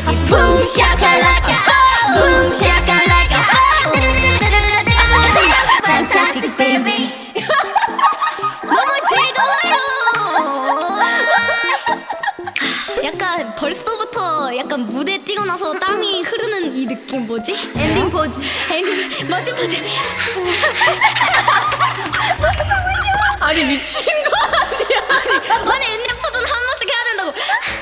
baby boom shakalaka boom shakalaka fantastic baby. 너무 즐거워요. 약간 벌써부터 약간 무대 뛰고 나서 땀이 흐르는 이 느낌 뭐지? 엔딩 포즈. 엔딩 마지막 포즈. 아니 미친 거 아니야? 아니 엔딩 포즈는 한 번씩 해야 된다고.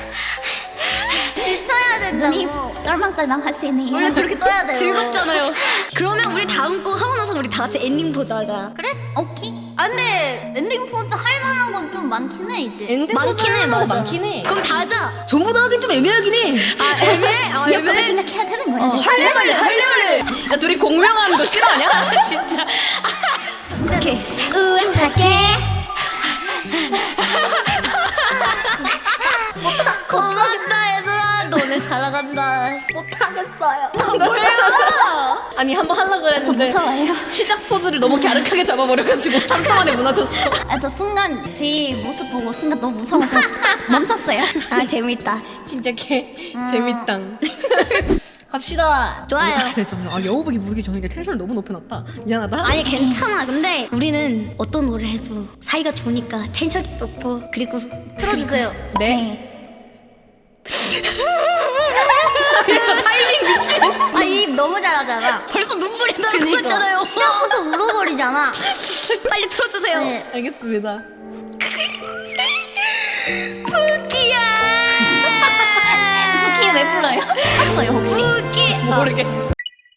지쳐야 눈이 된다고. 떨망떨망 하시네요. 원래 그렇게 떠야 돼요. 즐겁잖아요. 그러면 우리 다음 곡 하고 나서 우리 다 같이 엔딩 포즈 하자. 그래? 오케이. 아 근데 엔딩 포즈 할 만한 건 좀 많긴 해 이제. 엔딩 포즈 많긴 해, 하는 거 맞아. 많긴 해. 그럼 다 하자. 전부 다 하긴 좀 애매하긴 해. 아 애매해? 아 몇 번을 생각해야 되는 거야. 할래. 야 둘이 공명하는 거 싫어하냐? 진짜. 오케이. 우울하게. 고맙다 얘들아. 너네 살아간다. 못하겠어요. 아니 한번 하려고 저 그랬는데 무서워요. 시작 포즈를 너무 갸륵하게 잡아버려가지고 3초 만에 무너졌어. 저 순간 제 모습 보고 순간 너무 무서워서 멈췄어요. 아 재밌다. 진짜 개 재밌다. 갑시다. 좋아요. 네, 정말 아 여우복이 부르기 전에 텐션을 너무 높여놨다. 미안하다. 아니 괜찮아. 근데 우리는 어떤 노래 해도 사이가 좋으니까 텐션이 높고 그리고 틀어주세요. 네. 진짜 타이밍 미친. 아 입 너무 잘하잖아. 벌써 눈물이 나는 거 있잖아요. 시작부터 울어버리잖아. 빨리 틀어주세요. 네. 알겠습니다. 푸키야. 부키 왜 불러요? 탔어요 혹시? 푸키. 모르겠어.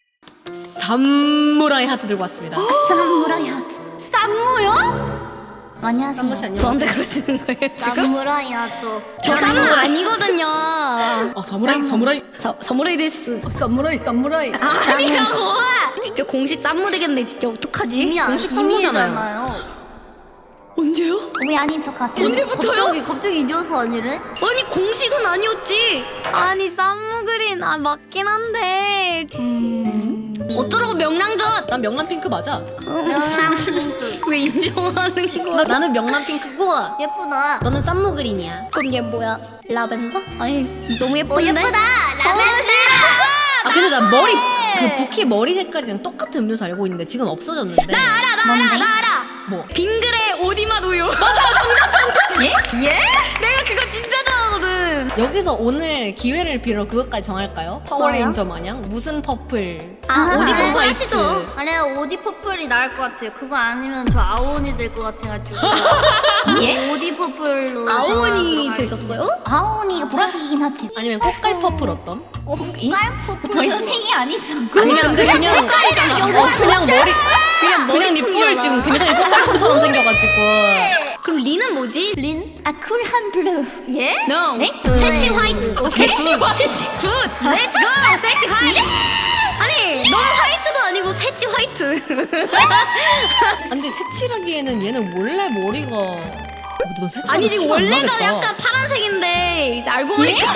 사무라이 하트 들고 왔습니다. 사무라이 하트. 쌈무요? 안녕하세요. 쌈무씨 안녕. 저한테 그러시는 거예요 지금? 사무라이야 또. 저 쌈무 아니거든요. 아 사무라이. 사무라이 데스. 사무라이. 아니라고. 진짜 공식 쌈무 되겠네. 진짜 어떡하지? 이미 공식 쌈무잖아요. 언제요? 왜 아닌 척 하세요? 언제부터요? 갑자기 이어서 아니래? 아니 공식은 아니었지. 아니 쌈무 그린 맞긴 한데. 어쩌라고 명랑젓. 난 명란 핑크 맞아. 명랑핑크. 왜 인정하는 거야? 나는 명란 핑크고 예쁘다. 너는 쌈무 그린이야. 그럼 얘 뭐야? 라벤더? 아니 너무 예쁜데? 예쁘다. 라벤더. 아 근데 나 머리 그 부키 머리 색깔이랑 똑같은 음료수 알고 있는데 지금 없어졌는데. 나 알아. 뭐? 빙그레 오디맛 우유. 맞아 정답. 예? 내가 그거 진짜 좋아하거든. 여기서 오늘 기회를 빌어 그것까지 정할까요? 파워레인저 마냥 무슨 퍼플 오디션 화이트. 하시죠. 아래 오디 퍼플이 나을 것 같아요. 그거 아니면 저 아오니 될 것 같아가지고. 예? 오디 퍼플로. 아오니 되셨어요? 아오니가 보라색이긴 하지. 아니면 꽃갈 퍼플 어떤? 깔 퍼플. 더 이상 색이 아니죠. 그냥 색깔이잖아. 그냥 머리 그냥 네 뿔 지금 굉장히 꽃갈콘처럼 생겨가지고. 그럼 리는 뭐지? 린? 쿨한 블루. 예? No. 네? 세치 화이트. 세치 화이트. 굿. 렛츠 고. 세치 화이트. 아니 너무 화이트도 아니고 세치 화이트. 근데 새칠하기에는 얘는 원래 머리가 너 새칠 아니 지금 원래가 약간 파란색인데 이제 알고 보니까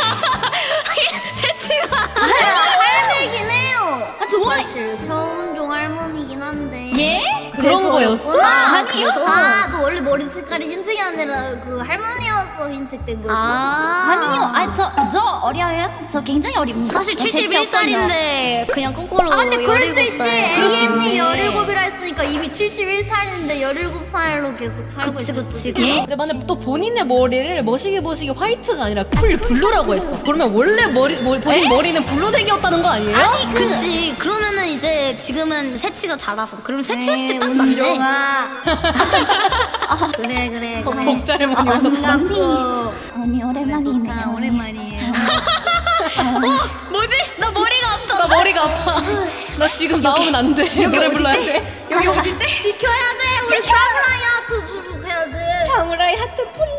세치가. 할매긴 해요. 좋아해. 사실 저운종 할머니긴 한데. 예? 그런 거였어? 아니요. 그래서? 너 원래 머리 색깔이 흰색이 아니라 그 할머니여서 흰색 된 거였어? 아니요. 저 어려요? 저 굉장히 어립니다. 사실 71살인데 그냥 거꾸로. 아 근데 그럴 수 있지. 17살. 애기 언니 그렇네. 17이라 했으니까 이미 71살인데 17살로 계속 살고 그치, 있을 그치. 수도 있어. 예? 근데 만약 또 본인의 머리를 머시기 화이트가 아니라 쿨 블루라고 했어. 그러면 원래 본인 머리는 블루색이었다는 거 아니에요? 아니 그치. 그러면은 이제 지금은 세치가 자라서 그럼 세치 화이트 딱 맞네. 그래. 복자를 많이 반갑고. 언니 오랜만이네요. 아, 오랜만이에요. 뭐지? 나 머리가 아파. 나 머리가 아파. 나 지금 나오면 안 돼. 노래 불러야 돼. 여기 어디지? 지켜야 돼. 우리 사무라이 하트 주로 가야 돼. 사무라이 하트 플리.